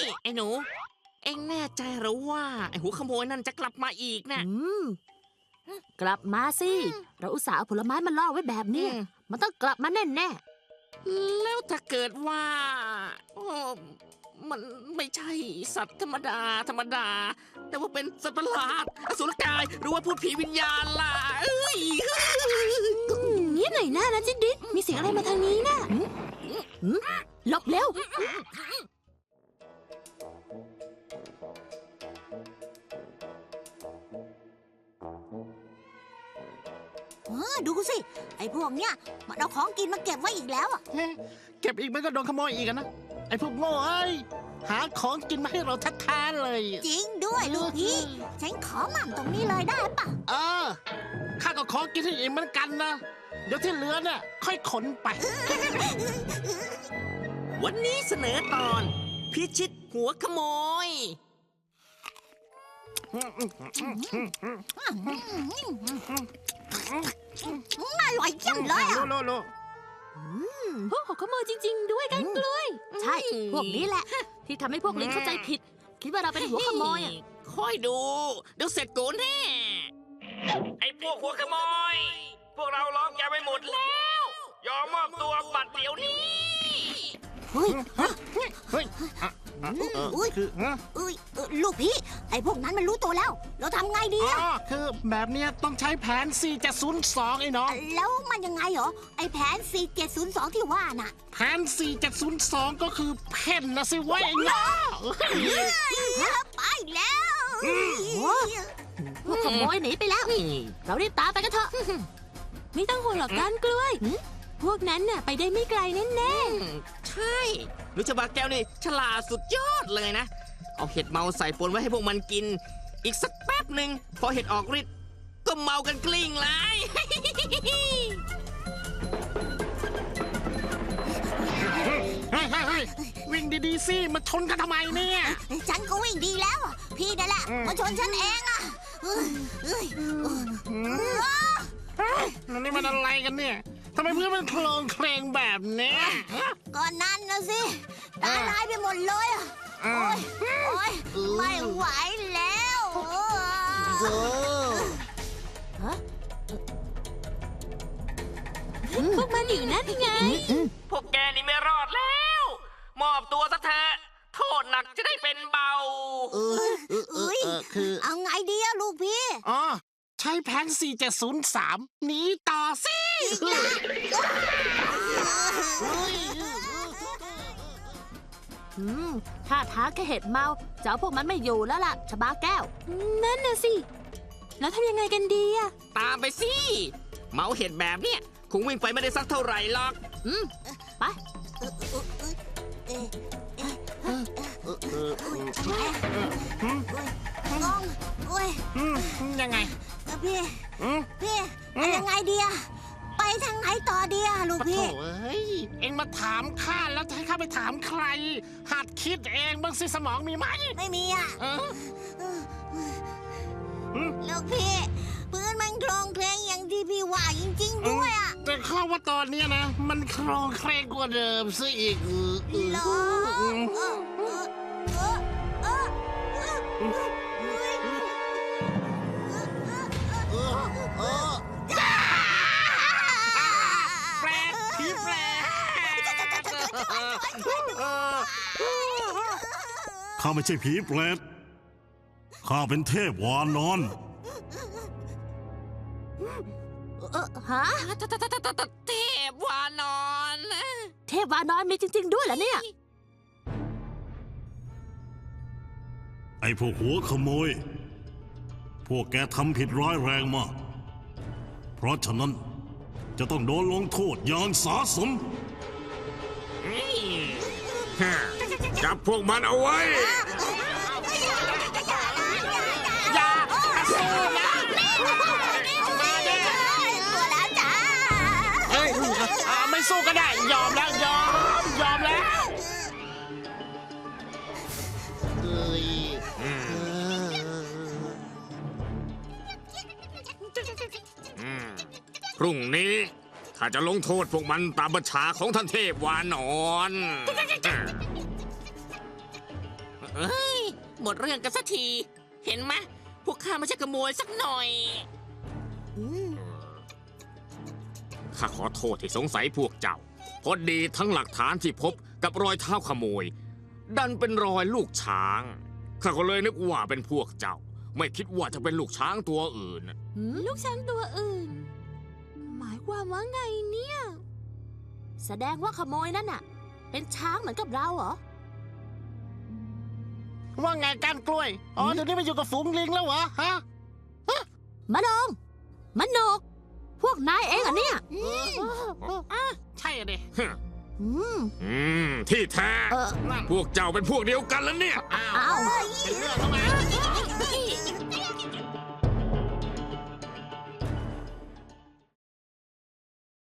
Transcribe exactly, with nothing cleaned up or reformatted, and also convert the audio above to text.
ไอ้หนูเอ็งแน่ใจหรือว่าไอ้หัวขโมยนั่นจะกลับมาอีกนะอืมกลับมาสิเราอุตส่าห์เอาผลไม้มาล่อไว้แบบนี้มันต้องกลับมาแน่แน่แล้วถ้าเกิดว่าโอ้มันไม่ใช่สัตว์ธรรมดาธรรมดา แต่ว่าเป็นสัตว์ประหลาดอสุรกายหรือว่าพูดผีวิญญาณล่ะเอ้ยนี่หน่อยหน้านะจิดดิดมีเสียงอะไรมาทางนี้นะหลบเร็วดูสิไอ้พวกเนี้ยมันเอาของกินมาเก็บไว้อีกแล้วอ่ะเก็บอีกมันก็โดนขโมยอีกนะไอ้พวกโง่เอ้ยหาของกินมาให้เราแท้ๆเลยจริงด้วยลูกพี่ฉันขอหม่ำตรงนี้เลยได้ปะเออข้าก็ขอกินให้อิ่มเหมือนกันนะเดี๋ยวที่เหลือเนี่ยค่อยขนไปวันนี้เสนอตอนพิชิตหัวขโมยอร่อยจังเลยอ่ะพวกหัวขโมยจริงๆด้วยกันกล้วยใช่พวกนี้แหละที่ทำให้พวกลิงเข้าใจผิดคิดว่าเราเป็นหัวขโมยอ่ะค่อยดูเดี๋ยวเสร็จกูแน่ไอ้พวกหัวขโมยพวกเราล้อมแกไปหมดแล้วยอมมอบตัวบัดเดี๋ยวนี้เฮ้ยเฮ้ยอุ้ยคืออุ้ยลูกพี่ไอ้พวกนั้นมันรู้ตัวแล้วเราทำไงดีอ่ะคือแบบนี้ต้องใช้แผน สี่เจ็ดศูนย์สอง ไอ้น้องแล้วมันยังไงเหรอไอ้แผน สี่เจ็ดศูนย์สอง ที่ว่าน่ะแผน สี่เจ็ดศูนย์สอง ก็คือเพ่นนะสิวะไอ้น้องไปแล้วพวกขโมยหนีไปแล้วเรารีบตามไปกันเถอะไม่ต้องห่วงหรอกก้านกล้วยพวกนั้นน่ะไปได้ไม่ไกลแน่ๆใช่รู้จักบาแก้วนี่ฉลาดสุดยอดเลยนะเอาเห็ดเมาใส่ปนไว้ให้พวกมันกินอีกสักแป๊บหนึ่งพอเห็ดออกฤทธิ์ก็เมากันกลิ้งเลยวิ่งดีๆสิมาชนกันทำไมเนี่ยฉันก็วิ่งดีแล้วพี่นั่นแหละมาชนฉันเองอ่ะนี่มันอะไรกันเนี่ยทำไมเพื่อนมันโคลงเคลงแบบนี้ก็นั่นนะสิตาลายไปหมดเลยอ่ะโอ้ยโอ้ยไม่ไหวแล้วพวกมันอยู่นั่นไงพวกแกนี่ไม่รอดแล้วมอบตัวซะเถอะโทษหนักจะได้เป็นเบาเออเออคือเอาไงดีอะลูกพี่อ๋อใช้แผน สี่เจ็ดศูนย์สาม หนีต่อสิถ้าท้าแค่เห็ดเมาจะเอาพวกมันไม่อยู่แล้วล่ะชบาแก้วนั่นน่ะสิแล้วทำยังไงกันดีอะตามไปสิเมาเห็ดแบบเนี้ยคงวิ่งไปไม่ได้สักเท่าไหร่หรอกอืมไปงงโอ้ยยังไงพี่พี่ยังไงดีอะไปทางไหนต่อดีอะลูกพี่เฮ้ยเอ็งมาถามข้าแล้วจะให้ข้าไปถามใครหัดคิดเองบ้างสิสมองมีไหมไม่มีอะลูกพี่พื้นมันโครงเคลงอย่างที่พี่ว่าจริงๆด้วยอะแต่ข้าว่าตอนนี้นะมันโครงเคลงกว่าเดิมซะอีกเหรอข้าไม่ใช่ผีเปรตข้าเป็นเทพวานอนเออฮะเทพวานอนเทพวานอนมีจริงๆด้วยเหรอเนี่ยไอ้พวกหัวขโมยพวกแกทำผิดร้ายแรงมากเพราะฉะนั้นจะต้องโดนลงโทษอย่างสาสมจับพวกมันเอาไว้อย่ากระสู้นะมาดิตัวแล้วจ้าเฮ้ยไม่สู้ก็ได้ยอมแล้วยอมยอมแล้วพรุ่งนี้ข้าจะลงโทษพวกมันตามบัญชาของท่านเทพวานอนเอ้ย หมดเรื่องกันสักที เห็นไหมพวกข้าไม่ใช่ขโมยสักหน่อยอืมข้าขอโทษที่สงสัยพวกเจ้าเพราะดีทั้งหลักฐานที่พบกับรอยเท้าขโมย ดันเป็นรอยลูกช้าง ข้าก็เลยนึกว่าเป็นพวกเจ้า ไม่คิดว่าจะเป็นลูกช้างตัวอื่นลูกช้างตัวอื่น หมายความว่าไงเนี่ย แสดงว่าขโมยนั่นน่ะ เป็นช้างเหมือนกับเราเหรอว่าไงการกล้วย อ๋อ เดี๋ยวนี้มาอยู่กับฝูงลิงแล้วเหรอ ฮะมะนงมะนก พวกนายเองเหรอเนี่ยใช่อะเด็อืมอืม ที่แท้เออพวกเจ้าเป็นพวกเดียวกันแล้วเนี่ยอ้าวอ้าวเป็นเรื่องแล้วไง